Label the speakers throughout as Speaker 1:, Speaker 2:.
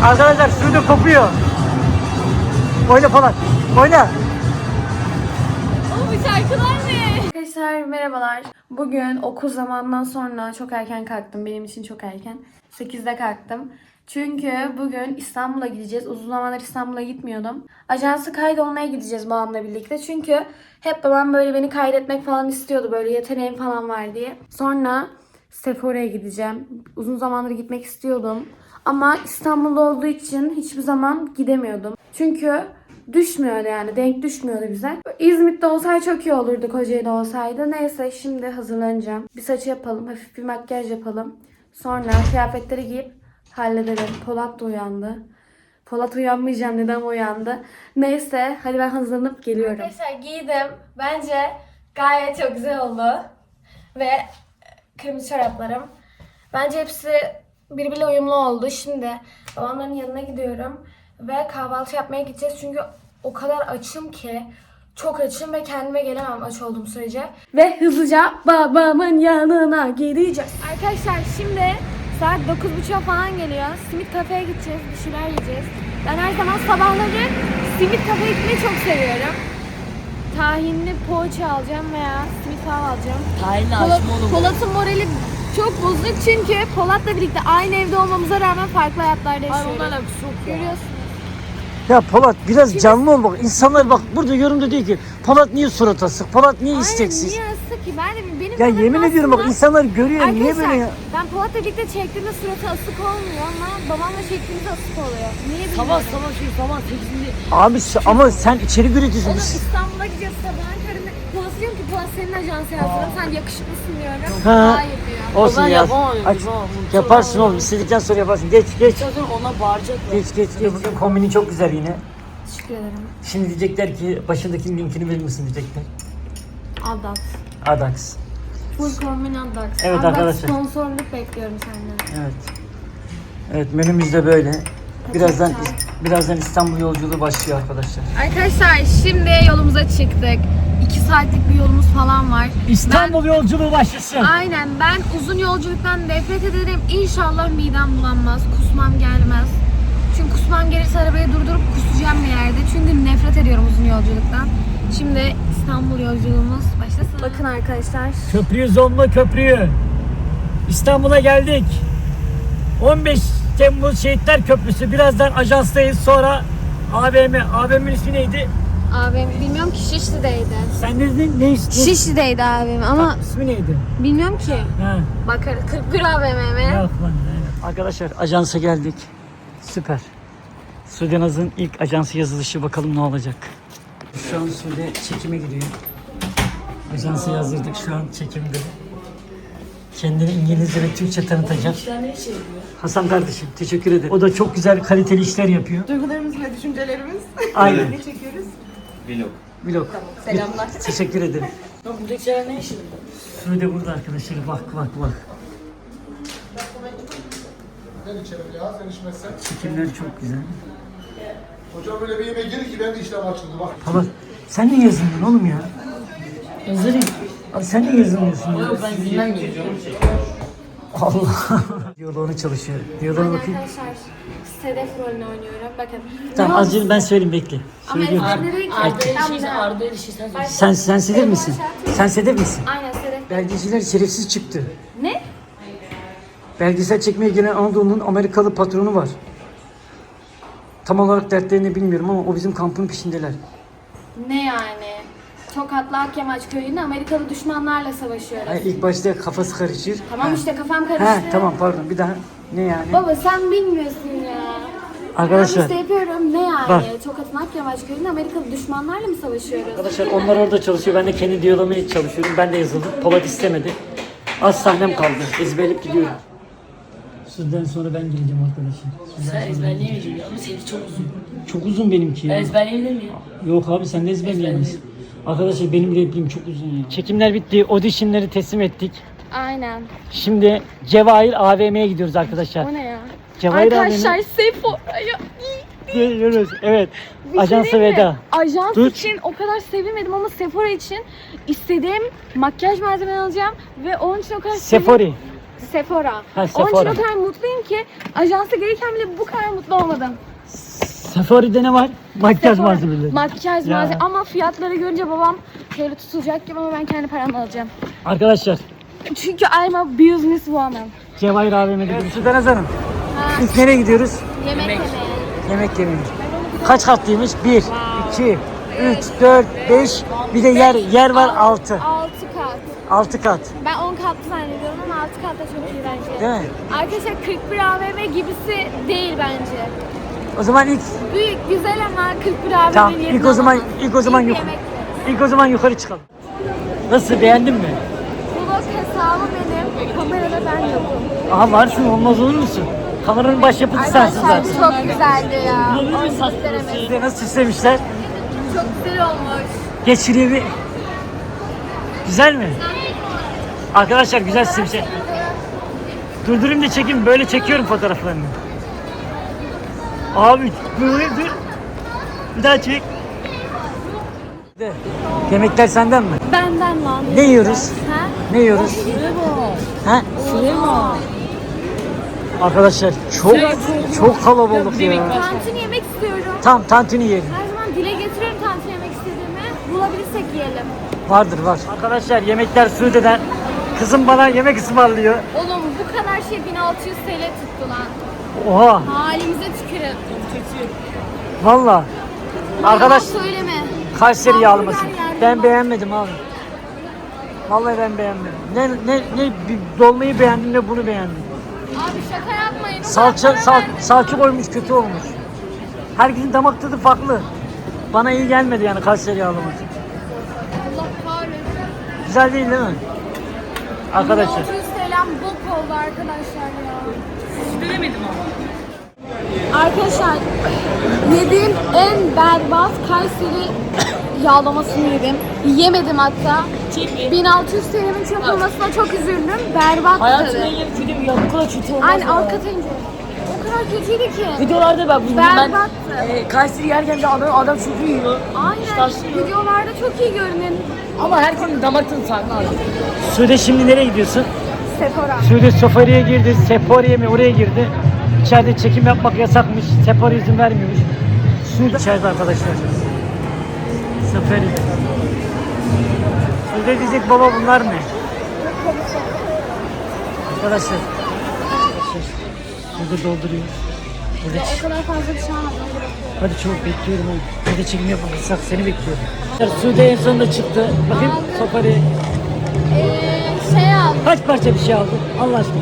Speaker 1: Arkadaşlar Sude kopuyor. Oyna Polat. Oyna.
Speaker 2: Oğlum bu şarkılar ne? Arkadaşlar merhabalar. Bugün okul zamanından sonra çok erken kalktım. Benim için çok erken. 8'de kalktım. Çünkü bugün İstanbul'a gideceğiz. Uzun zamandır İstanbul'a gitmiyordum. Ajansı kaydolmaya gideceğiz babamla birlikte. Çünkü hep babam böyle beni kaydetmek falan istiyordu. Böyle yeteneğim falan var diye. Sonra Sephora'ya gideceğim. Uzun zamandır gitmek istiyordum. Ama İstanbul'da olduğu için hiçbir zaman gidemiyordum. Çünkü düşmüyordu yani. Denk düşmüyordu bize. İzmit'te olsaydı çok iyi olurdu. Kocaeli'de olsaydı. Neyse şimdi hazırlanacağım. Bir saçı yapalım. Hafif bir makyaj yapalım. Sonra kıyafetleri giyip halledelim. Polat da uyandı. Polat uyanmayacağım. Neden uyandı? Neyse hadi ben hazırlanıp geliyorum. Arkadaşlar giydim. Bence gayet çok güzel oldu. Ve kırmızı çoraplarım. Bence hepsi birbiriyle uyumlu oldu. Şimdi babamların yanına gidiyorum. Ve kahvaltı yapmaya gideceğiz. Çünkü o kadar açım ki. Çok açım ve kendime gelemem aç olduğum sürece. Ve hızlıca babamın yanına gideceğiz. Arkadaşlar şimdi saat 9.30'a falan geliyor. Simit kafeye gideceğiz. Bir şeyler yiyeceğiz. Ben her zaman sabahları simit kafeye gitmeyi çok seviyorum. Tahinli poğaça alacağım veya simit falan alacağım.
Speaker 3: Tahinli açma oğlum.
Speaker 2: Polat'ın morali çok bozuk çünkü Polat'la birlikte aynı evde olmamıza rağmen farklı hayatlarda yaşıyoruz.
Speaker 3: Hayır onlarla çok ya.
Speaker 2: Görüyorsunuz.
Speaker 1: Ya Polat biraz canlı ol bak. İnsanlar bak burada yorumda diyor ki Polat niye surat asık? Polat niye isteksiz?
Speaker 2: Niye asık ki? Ben de benim
Speaker 1: Ya yemin ediyorum bak insanlar görüyor niye
Speaker 2: Arkadaşlar,
Speaker 1: böyle ya?
Speaker 2: ben Polat'la birlikte çektiğimde suratı asık olmuyor ama babamla çektiğimde asık oluyor. Niye bilmiyorum.
Speaker 3: Sabah 8'inde.
Speaker 1: Abi ama sen içeri üretiyorsun.
Speaker 2: Oğlum İstanbul'a gideceğiz sabahın köründe. Polat diyorum ki Polat senin ajansı yazdım. Sen yakışıklısın diyorum.
Speaker 1: Ha.
Speaker 2: Hayır diyor.
Speaker 1: Olsun
Speaker 3: Ben
Speaker 1: ya.
Speaker 3: yapamam,
Speaker 1: Aç.
Speaker 3: yapamam.
Speaker 1: Yaparsın oğlum. İstedikten sonra yaparsın. Geç.
Speaker 3: Zaten onlar bağıracaklar.
Speaker 1: Geç. Bugün kombinin çok güzel yine.
Speaker 2: Teşekkür ederim.
Speaker 1: Şimdi diyecekler ki başındaki linkini verir misin diyecekler.
Speaker 2: Adax.
Speaker 1: Adax.
Speaker 2: Full kombin Adax.
Speaker 1: Evet
Speaker 2: Adax
Speaker 1: arkadaşlar.
Speaker 2: sponsorluk bekliyorum senden.
Speaker 1: Evet. Evet menümüz de böyle. Birazdan İstanbul yolculuğu başlıyor arkadaşlar.
Speaker 2: Arkadaşlar şimdi yolumuza çıktık. 2 saatlik bir yolumuz falan var.
Speaker 1: İstanbul yolculuğu başlasın.
Speaker 2: Aynen ben uzun yolculuktan nefret ederim. İnşallah midem bulanmaz, kusmam gelmez. Çünkü kusmam gelirse arabayı durdurup kusacağım bir yerde. Çünkü nefret ediyorum uzun yolculuktan. Şimdi İstanbul yolculuğumuz başlasın. Bakın arkadaşlar.
Speaker 1: Köprüyü Zonla Köprüyü. İstanbul'a geldik. 15 Temmuz Şehitler Köprüsü. Birazdan ajanstayız. Sonra AVM. AVM'nin ismi neydi?
Speaker 2: Abim bilmiyorum ki Şişli'deydi.
Speaker 1: Sen dedin ne ismi?
Speaker 2: Şişli'deydi abim ama
Speaker 1: İsmi neydi?
Speaker 2: bilmiyorum ki.
Speaker 1: Ha.
Speaker 2: Bakarız 41 AVM mi?
Speaker 1: Yok lan. Arkadaşlar ajansa geldik. Süper. Sude Naz'ın ilk ajansı yazılışı bakalım ne olacak. Şu an Sude çekime gidiyor. Ajansı yazdırdık şu an çekimde. Kendini İngilizce ve Türkçe tanıtacak. Hasan kardeşim teşekkür ederim. O da çok güzel kaliteli işler yapıyor.
Speaker 4: Duygularımız ve düşüncelerimiz.
Speaker 1: Aynen.
Speaker 4: Ne çekiyoruz?
Speaker 1: Vlog.
Speaker 4: Selamlar.
Speaker 1: Teşekkür ederim.
Speaker 3: Lan buradaki şeyler ne işin?
Speaker 1: Sude burada arkadaşlar bak.
Speaker 5: Ben içerim ya sen içmezsen.
Speaker 1: Çekimler çok güzel.
Speaker 5: Hocam böyle bir yemeğe girir ki ben de işlem açıldı bak.
Speaker 1: Baba sen niye yazılmıyorsun oğlum ya?
Speaker 3: Yazarım.
Speaker 1: Abi sen niye yazılmıyorsun ya?
Speaker 3: Yok ben günden geliyorum.
Speaker 1: Allah. Diyaloğunu çalışıyor. Diyaloğuna bakayım.
Speaker 2: Arkadaşlar Sedef rolünü oynuyorum. Bakın.
Speaker 1: Tamam azıcık ben söyleyeyim bekle.
Speaker 2: Ama
Speaker 1: Söylüyorum.
Speaker 3: Arda ilişkisi sen
Speaker 1: Sen Sedef misin? Sen Sedef misin?
Speaker 2: Aynen Sedef.
Speaker 1: Belgeciler şerefsiz çıktı.
Speaker 2: Ne?
Speaker 1: Belgesel çekmeye gelen Anadolu'nun Amerikalı patronu var. Tam olarak dertlerini bilmiyorum ama o bizim kampın peşindeler.
Speaker 2: Ne yani? Tokatlı Akyamaç köyünde Amerikalı düşmanlarla savaşıyoruz.
Speaker 1: Hayır, ilk başta kafası karışır.
Speaker 2: Tamam işte kafam karıştı.
Speaker 1: He tamam pardon bir daha. Ne yani?
Speaker 2: Baba sen bilmiyorsun ya.
Speaker 1: Arkadaşlar.
Speaker 2: Ben işte yapıyorum ne yani?
Speaker 1: Bak.
Speaker 2: Tokat'ın Akyamaç köyünde Amerikalı düşmanlarla mı savaşıyoruz?
Speaker 1: Arkadaşlar onlar orada çalışıyor. Ben de kendi diyaloğumu çalışıyorum. Ben de yazıldım. Polat istemedi. Az sahnem kaldı. Ezberleyip gidiyorum. Sizden sonra ben gireceğim arkadaşım.
Speaker 3: Sen ezberleyemeyeceksin ama seninki çok uzun.
Speaker 1: Çok uzun benimki ya.
Speaker 3: Ezberleyebilir miyim?
Speaker 1: Yok abi sen de ezberleyemezsin. Arkadaşlar benim repliğim çok uzun ya. Çekimler bitti. Audition'ları teslim ettik.
Speaker 2: Aynen.
Speaker 1: Şimdi Cevahir AVM'ye gidiyoruz arkadaşlar.
Speaker 2: O ne ya?
Speaker 1: Cevahir
Speaker 2: Arkadaşlar Sephora'ya
Speaker 1: Gidiyoruz. Evet.
Speaker 2: Bir şey
Speaker 1: Ajansı
Speaker 2: diyeyim mi?
Speaker 1: veda.
Speaker 2: Ajans
Speaker 1: Dur.
Speaker 2: için o kadar sevinmedim ama Sephora için istediğim makyaj malzemeleri alacağım ve onun için o kadar
Speaker 1: Sephora.
Speaker 2: Sephora.
Speaker 1: Ha,
Speaker 2: Onun için
Speaker 1: Sephora.
Speaker 2: o kadar mutluyum ki ajansa gelirken bile bu kadar mutlu olmadım.
Speaker 1: Sephora'da ne var? Makyaj
Speaker 2: Sephora.
Speaker 1: malzemeleri.
Speaker 2: Makyaj
Speaker 1: Ya.
Speaker 2: malzemeleri ama fiyatları görünce babam şöyle tutulacak gibi ama ben kendi paramla alacağım.
Speaker 1: Arkadaşlar
Speaker 2: Çünkü I'm a businesswoman.
Speaker 1: Cevahir AVM'de gidiyoruz. Sudanaz Hanım.
Speaker 2: Ha,
Speaker 1: Biz nereye gidiyoruz?
Speaker 2: yemek yemeye.
Speaker 1: Yemek yemeye. Kaç katlıymış? 1, 2, 3, 4, 5. Bir de yer var 6.
Speaker 2: 6 kat.
Speaker 1: 6 kat.
Speaker 2: Ben 10 katlı zannediyorum ama 6 kat da çok iyi bence.
Speaker 1: Değil mi?
Speaker 2: Arkadaşlar 41 AVM gibisi değil bence.
Speaker 1: O zaman ilk
Speaker 2: Büyük, güzel ama 41 AVM'nin
Speaker 1: tamam.
Speaker 2: yerini
Speaker 1: İlk o zaman
Speaker 2: alamaz.
Speaker 1: ilk o zaman
Speaker 2: İlk
Speaker 1: yukarı.
Speaker 2: yemek yeriz.
Speaker 1: İlk o zaman yukarı çıkalım. Nasıl, beğendin mi?
Speaker 2: Vlog hesabı benim, kamerada ben yokum.
Speaker 1: Aha varsın, olmaz olur musun? Kameranın başyapıtı sensin
Speaker 2: Arkadaşlar
Speaker 1: zaten.
Speaker 2: çok güzeldi ya. Onu gösteremedim.
Speaker 1: Size nasıl süslemişler?
Speaker 2: Çok güzel olmuş.
Speaker 1: Geç şuraya bir. Güzel mi? Arkadaşlar güzel süslemişler. Durdurayım da çekeyim. Böyle çekiyorum fotoğraflarını. Abi böyle dur. Bir daha çek. De. Yemekler senden mi?
Speaker 2: Benden lan.
Speaker 1: Ne yiyoruz?
Speaker 2: Ha?
Speaker 1: Ne yiyoruz? Ha?
Speaker 3: Süleyman.
Speaker 1: Arkadaşlar çok kalabalık ya.
Speaker 2: Tantuni yemek istiyorum.
Speaker 1: Tam tantuni yiyelim.
Speaker 2: Her zaman dile getiriyorum tantuni yemek istediğimi. Bulabilirsek yiyelim.
Speaker 1: Vardır var. Arkadaşlar yemekler Suudi'den. Kızım bana yemek ısmarlıyor.
Speaker 2: Oğlum bu kadar şey 1600 TL tuttu lan.
Speaker 1: Oha.
Speaker 2: Halimize tükürün.
Speaker 1: Valla. Arkadaş
Speaker 2: Yalan söyleme.
Speaker 1: Kayseri yağlaması.
Speaker 2: Hamburger yerdim
Speaker 1: Ben
Speaker 2: bak.
Speaker 1: beğenmedim abi. Vallahi ben beğenmedim. Ne bir dolmayı beğendim ne bunu beğendim.
Speaker 2: Abi şaka yapmayın.
Speaker 1: Salça koymuş, kötü olmuş. Herkesin damak tadı farklı. Bana iyi gelmedi yani Kayseri yağlaması.
Speaker 2: Allah kahretsin.
Speaker 1: Güzel değil mi? Arkadaşlar.
Speaker 2: 1600 TL'm bok oldu arkadaşlar ya.
Speaker 3: Bilemedim ama.
Speaker 2: Arkadaşlar yediğim en berbat Kayseri yağlamasını yedim. Yemedim hatta. 1600 TL'min çöp olmasına çok üzüldüm. Berbat
Speaker 3: Hayatımda
Speaker 2: tadı.
Speaker 3: yeni film ya bu kadar kötü olmaz
Speaker 2: Aynen
Speaker 3: ya.
Speaker 2: arka tencere. O kadar kötüydü ki.
Speaker 3: Videolarda bak ben
Speaker 2: Berbattı.
Speaker 3: Kayseri yerken de adam çok yiyor.
Speaker 2: Aynen.
Speaker 3: İştahlı yiyor.
Speaker 2: Videolarda çok iyi görünün.
Speaker 3: Ama herkesin damak tadı farklı abi.
Speaker 1: Sude şimdi nereye gidiyorsun?
Speaker 2: Sephora.
Speaker 1: Sude Sephora'ya girdi. Sephora'ya mı oraya girdi. İçeride çekim yapmak yasakmış. Sephora izin vermiyormuş. Sude içeride arkadaşlar. Sephora. Sude diyecek baba bunlar ne? Arkadaşlar. Sude dolduruyor. Burada
Speaker 2: O kadar fazla bir şey almadım.
Speaker 1: hadi çabuk bekliyorum oğlum. Burada çekim yapmak yasak, seni bekliyorum. Sude en sonunda çıktı. Bakayım Sephora'ya.
Speaker 2: Şey aldım.
Speaker 1: Kaç parça bir şey aldın? Allah aşkına.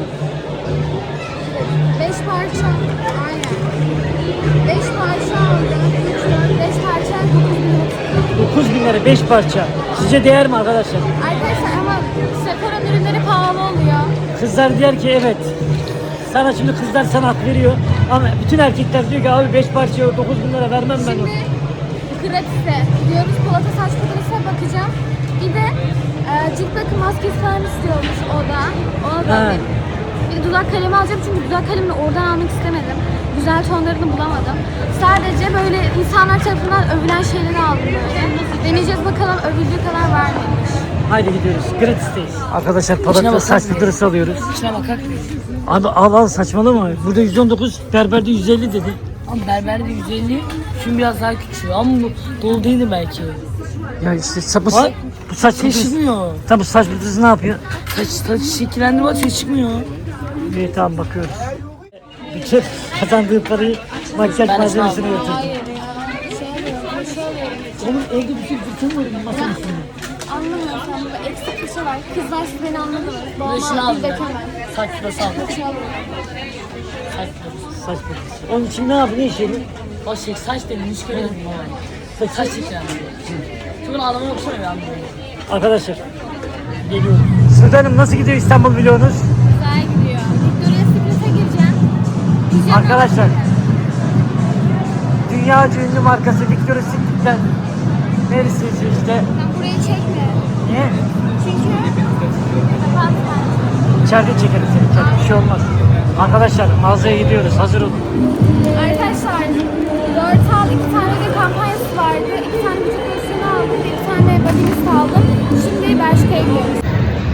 Speaker 2: 5 parça. Aynen. 5 parça aldım. 3, 4, 5 parça. 9 bin lira.
Speaker 1: 9.000 lira 5 parça. Sizce değer mi arkadaşlar?
Speaker 2: Arkadaşlar ama Sephora'nın ürünleri pahalı oluyor.
Speaker 1: Kızlar diyor ki evet. Sana şimdi kızlar sana hak veriyor. Ama bütün erkekler diyor ki abi 5 parçaya 9.000 lira vermem ben onu.
Speaker 2: Şimdi gratis'e gidiyoruz. Polat'a saç pudrısına bakacağım. Bir de cilt bakım maskesi falan istiyormuş o da. Ona da
Speaker 1: Ha.
Speaker 2: alayım. Bir de dudak kalemi alacağım çünkü dudak kalemini oradan almak istemedim. Güzel tonlarını bulamadım. Sadece böyle insanlar tarafından övülen şeyleri aldım böyle. Deneyeceğiz bakalım övüldüğü kadar var mıymış.
Speaker 1: Haydi gidiyoruz. Gratisteyiz. Arkadaşlar
Speaker 3: İçine
Speaker 1: Polat'ta
Speaker 3: bakar
Speaker 1: saç
Speaker 3: mısın?
Speaker 1: pudrası alıyoruz.
Speaker 3: İçine bakar.
Speaker 1: Abi al saçmalama. Burada 119, berberde 150 dedi.
Speaker 3: Ama berberde 150. Şimdi biraz daha küçük. Ama bu dolu değildir belki.
Speaker 1: Ya işte bu
Speaker 3: Bak,
Speaker 1: saç
Speaker 3: Ses
Speaker 1: pudrası.
Speaker 3: çıkmıyor.
Speaker 1: Tam bu saç pudrası ne yapıyor?
Speaker 3: Saç şekillendirme var, ses çıkmıyor.
Speaker 1: İyi tamam bakıyoruz. Bütün kazandığı parayı makyaj
Speaker 3: Ben
Speaker 1: malzemesine
Speaker 3: ısmarladım.
Speaker 1: yatırdı.
Speaker 2: Hayır ya. Şey alıyorum, şey alıyorum.
Speaker 1: Oğlum evde bir şey fırtın var masanın üstünde.
Speaker 2: Anlamıyorum sen burada eksik bir şey var. Kızlar siz beni anladınız.
Speaker 3: Yaşını
Speaker 2: Babama
Speaker 3: aldım
Speaker 2: bir
Speaker 3: ben.
Speaker 2: bekemem.
Speaker 3: Saç pudası aldım.
Speaker 2: Şey alıyorum.
Speaker 3: Saç pudası.
Speaker 1: Saç pudrası. Onun için ne yapıyor? Ne işe yarıyor?
Speaker 3: O şey saç dedim hiç göremedim ama. Saç şekillendirme. Çünkü bunu ağlama yoksana ben böyle.
Speaker 1: Arkadaşlar geliyorum. Sude Hanım nasıl gidiyor İstanbul vlogunuz?
Speaker 2: Güzel gidiyor. Victoria's Secret'e gireceğim. Pijama
Speaker 1: Arkadaşlar
Speaker 2: alacağım.
Speaker 1: dünyaca ünlü markası Victoria's Secret'ten neresi işte?
Speaker 2: Sen burayı çekme.
Speaker 1: Niye?
Speaker 2: Çünkü kapat ben.
Speaker 1: İçeride çekerim seni. İçeride bir şey olmaz. Arkadaşlar mağazaya gidiyoruz. Hazır olun.
Speaker 2: Arkadaşlar 4 al 2 tane de kampanyası vardı. 2 tane vücut losyonu aldım. 1 tane body mist aldım. Şimdi Bershka'ya gidiyoruz.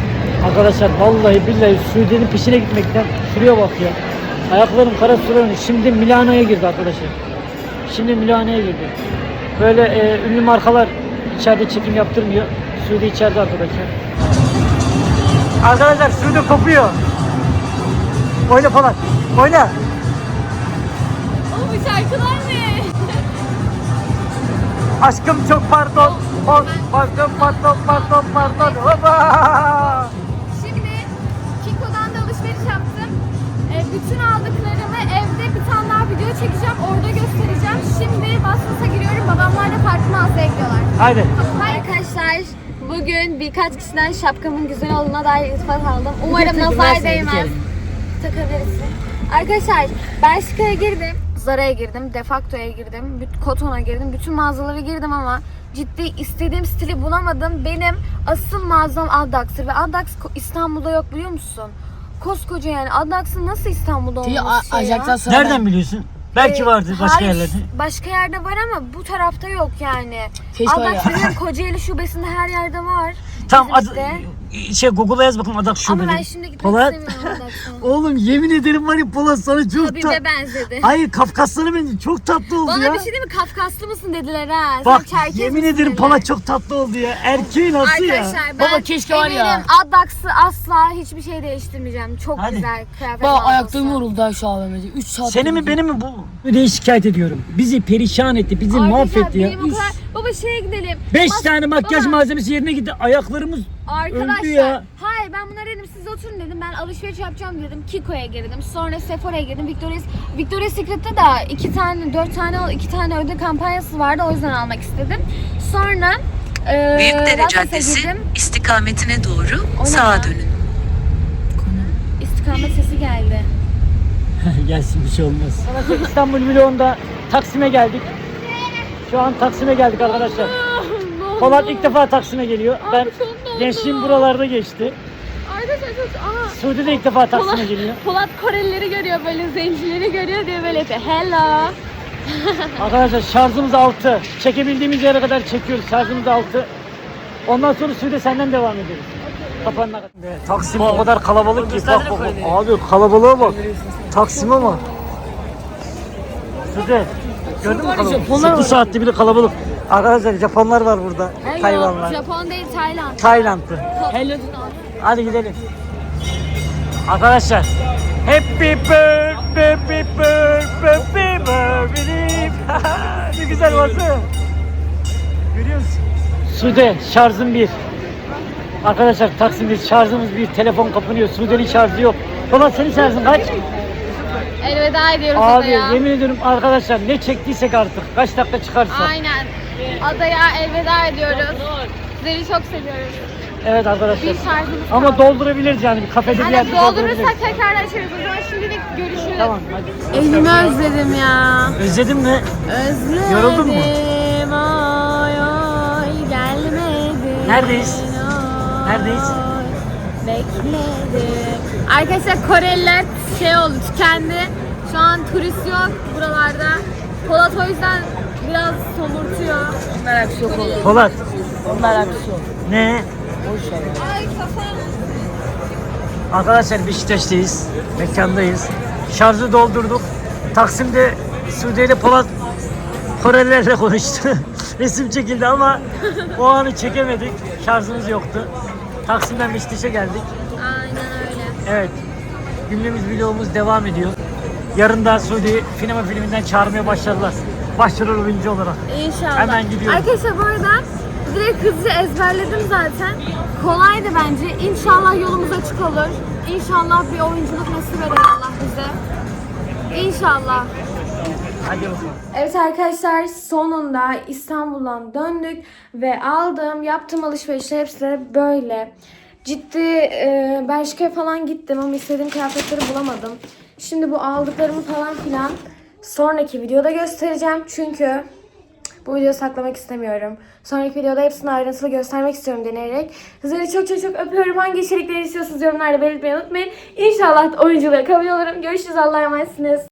Speaker 1: Arkadaşlar vallahi billahi Suudi'nin peşine gitmekten şuraya bak ya. Ayaklarım kara sularını. Şimdi Milano'ya girdi arkadaşlar. Şimdi Milano'ya girdi. Böyle ünlü markalar içeride çekim yaptırmıyor. Suudi içeride arkadaşlar. Arkadaşlar Suudi kopuyor. Oyna falan. Oyna.
Speaker 2: Oğlum bu şarkılar ne?
Speaker 1: Aşkım çok pardon. Aşkım pardon. Hopa.
Speaker 2: Şimdi Kiko'dan da alışveriş yaptım. Bütün aldıklarımı evde bir tane daha video çekeceğim. Orada göstereceğim. Şimdi Bastos'a giriyorum. Babamlar da farklı mağazaya gidiyorlar.
Speaker 1: Haydi.
Speaker 2: Arkadaşlar bugün birkaç kişiden şapkamın güzel olduğuna dair iltifat aldım. Umarım
Speaker 1: Bir
Speaker 2: nazar
Speaker 1: tek
Speaker 2: değmez. Takabilirsin. Arkadaşlar Bershka'ya girdim. Zara'ya girdim. Defacto'ya girdim. Koton'a girdim. Bütün mağazalara girdim ama ciddi istediğim stili bulamadım. Benim asıl mağazam Addax'tır ve Addax İstanbul'da yok biliyor musun? Koskoca yani Addax'ın nasıl İstanbul'da olması şey ya?
Speaker 3: Ajax'tan sonra
Speaker 1: Nereden biliyorsun? Belki vardır başka
Speaker 2: Hayır,
Speaker 1: yerlerde.
Speaker 2: başka yerde var ama bu tarafta yok yani.
Speaker 3: Keşke var
Speaker 2: Addax
Speaker 3: ya.
Speaker 2: bizim Kocaeli şubesinde her yerde var.
Speaker 1: Tam
Speaker 2: Bizim
Speaker 1: şey Google'a yaz bakalım Adak şubeli.
Speaker 2: Ama ben şimdi gitmek
Speaker 1: Polat.
Speaker 2: istemiyorum Addax'a.
Speaker 1: Oğlum yemin ederim var ya Polat sana çok
Speaker 2: Habib'e benzedi.
Speaker 1: Hayır Kafkaslara benziyor. Çok tatlı oldu
Speaker 2: Bana
Speaker 1: ya.
Speaker 2: bir şey değil mi? Kafkaslı mısın dediler ha.
Speaker 1: Bak
Speaker 2: Sen Çerkez
Speaker 1: yemin
Speaker 2: misin
Speaker 1: ederim
Speaker 2: dediler.
Speaker 1: Polat çok tatlı oldu ya. Erkeği nasıl ya?
Speaker 2: Arkadaşlar ben
Speaker 3: Baba keşke var ya.
Speaker 2: eminim Addax'ı asla hiçbir şey değiştirmeyeceğim. Çok
Speaker 1: Hadi.
Speaker 2: güzel kıyafet
Speaker 3: Baba
Speaker 2: mağazası.
Speaker 3: ayaklarım yoruldu ha şu AVM'de. 3 saat.
Speaker 1: Seni mi beni mi bu? Ödeyi şikayet ediyorum. Bizi perişan etti. Bizi
Speaker 2: Arkadaşlar,
Speaker 1: mahvetti ya.
Speaker 2: benim o kadar... Baba şeye gidelim.
Speaker 1: 5
Speaker 2: Mas-
Speaker 1: tane makyaj
Speaker 2: Baba,
Speaker 1: malzemesi yerine gitti. Ayaklarımız
Speaker 2: Arkadaşlar,
Speaker 1: öldü ya.
Speaker 2: hayır ben bunlara dedim siz oturun dedim. Ben alışveriş yapacağım dedim. Kiko'ya girdim. Sonra Sephora'ya girdim. Victoria's Secret'te da 2 tane ödül kampanyası vardı. O yüzden almak istedim. Sonra
Speaker 6: Büyükdere
Speaker 2: Watson's'a
Speaker 6: Caddesi
Speaker 2: girdim.
Speaker 6: istikametine doğru
Speaker 2: O ne ya?
Speaker 6: sağa dönün.
Speaker 2: İstikamet sesi geldi.
Speaker 1: Gelsin bir şey olmaz. İstanbul Vlog'unda Taksim'e geldik. Şu an Taksim'e geldik arkadaşlar. Polat ilk defa Taksim'e geliyor. Ben gençliğim buralarda geçti.
Speaker 2: Arkadaşlar
Speaker 1: Suudi de ilk defa Taksim'e geliyor.
Speaker 2: Polat Korelileri görüyor böyle zencileri görüyor diye böyle yapıyor. Hello.
Speaker 1: Arkadaşlar şarjımız 6. Çekebildiğimiz yere kadar çekiyoruz. Şarjımız 6. Ondan sonra Suudi senden devam ederiz. Kapanına kadar. Taksim o kadar kalabalık ki. Bak bak bak. Abi kalabalığa bak. Taksim'e bak. Suudi. Gördün mü kalabalık?
Speaker 3: Japonlar
Speaker 1: 8 saatte bile kalabalık. Arkadaşlar Japonlar var burada. Tayvanlar.
Speaker 2: Japon değil Tayland.
Speaker 1: Tayland'ı.
Speaker 3: Hello.
Speaker 1: Hadi gidelim. Arkadaşlar. Happy birthday. Ne güzel varsa. Görüyor musun? Sude şarjım 1. Arkadaşlar Taksim'deyiz. Şarjımız 1. Telefon kapanıyor. Sude'nin şarjı yok. Polat senin şarjın kaç?
Speaker 2: Elveda ediyoruz
Speaker 1: Abi
Speaker 2: adaya.
Speaker 1: yemin ediyorum arkadaşlar ne çektiysek artık. Kaç dakika çıkarsa.
Speaker 2: Aynen. Adaya elveda ediyoruz. Sizleri çok seviyoruz.
Speaker 1: Evet arkadaşlar.
Speaker 2: Bir şarjımız
Speaker 1: Ama
Speaker 2: kaldı.
Speaker 1: doldurabiliriz yani. Bir kafede bir
Speaker 2: Hani
Speaker 1: yerde doldurabiliriz.
Speaker 2: doldurursak tekrar açarız. O zaman şimdilik görüşürüz.
Speaker 1: Tamam hadi.
Speaker 2: Elimi özledim ya.
Speaker 1: Özledin mi?
Speaker 2: Özledim.
Speaker 1: Yoruldun mu?
Speaker 2: Oy oy gelmedi.
Speaker 1: Neredeyiz?
Speaker 2: Oy,
Speaker 1: Neredeyiz?
Speaker 2: Bekledim. Arkadaşlar Koreliler şey oldu tükendi. Şu an turist yok buralarda. Polat o yüzden biraz somurtuyor.
Speaker 3: Onlar alakası yok oğlum.
Speaker 1: Polat.
Speaker 3: Onlar alakası yok.
Speaker 1: Ne?
Speaker 3: Boş ver ya.
Speaker 2: Ay kafam.
Speaker 1: Arkadaşlar Beşiktaş'tayız. Mekandayız. Şarjı doldurduk. Taksim'de Suudi ile Polat Korelilerle konuştu. Resim çekildi ama o anı çekemedik. Şarjımız yoktu. Taksim'den Beşiktaş'a geldik.
Speaker 2: Aynen öyle.
Speaker 1: Evet. Günlüğümüz vlogumuz devam ediyor. Yarın da Suudi sinema filminden çağırmaya başladılar. Başrol oyuncu olarak.
Speaker 2: İnşallah.
Speaker 1: Hemen gidiyorum.
Speaker 2: Arkadaşlar bu arada direkt hızlıca ezberledim zaten. Kolaydı bence. İnşallah yolumuz açık olur. İnşallah bir oyunculuk nasip eder Allah bize. İnşallah.
Speaker 1: Hadi bakalım.
Speaker 2: Evet arkadaşlar sonunda İstanbul'dan döndük ve yaptığım alışverişler hepsi de böyle. Ciddi Bershka'ya falan gittim ama istediğim kıyafetleri bulamadım. Şimdi bu aldıklarımı falan filan sonraki videoda göstereceğim. Çünkü bu videoyu saklamak istemiyorum. Sonraki videoda hepsini ayrıntılı göstermek istiyorum deneyerek. Sizleri çok çok çok öpüyorum. Hangi içerikleri istiyorsunuz yorumlarda belirtmeyi unutmayın. İnşallah oyuncuları kabul olurum. Görüşürüz. Allah'a emanetsiniz.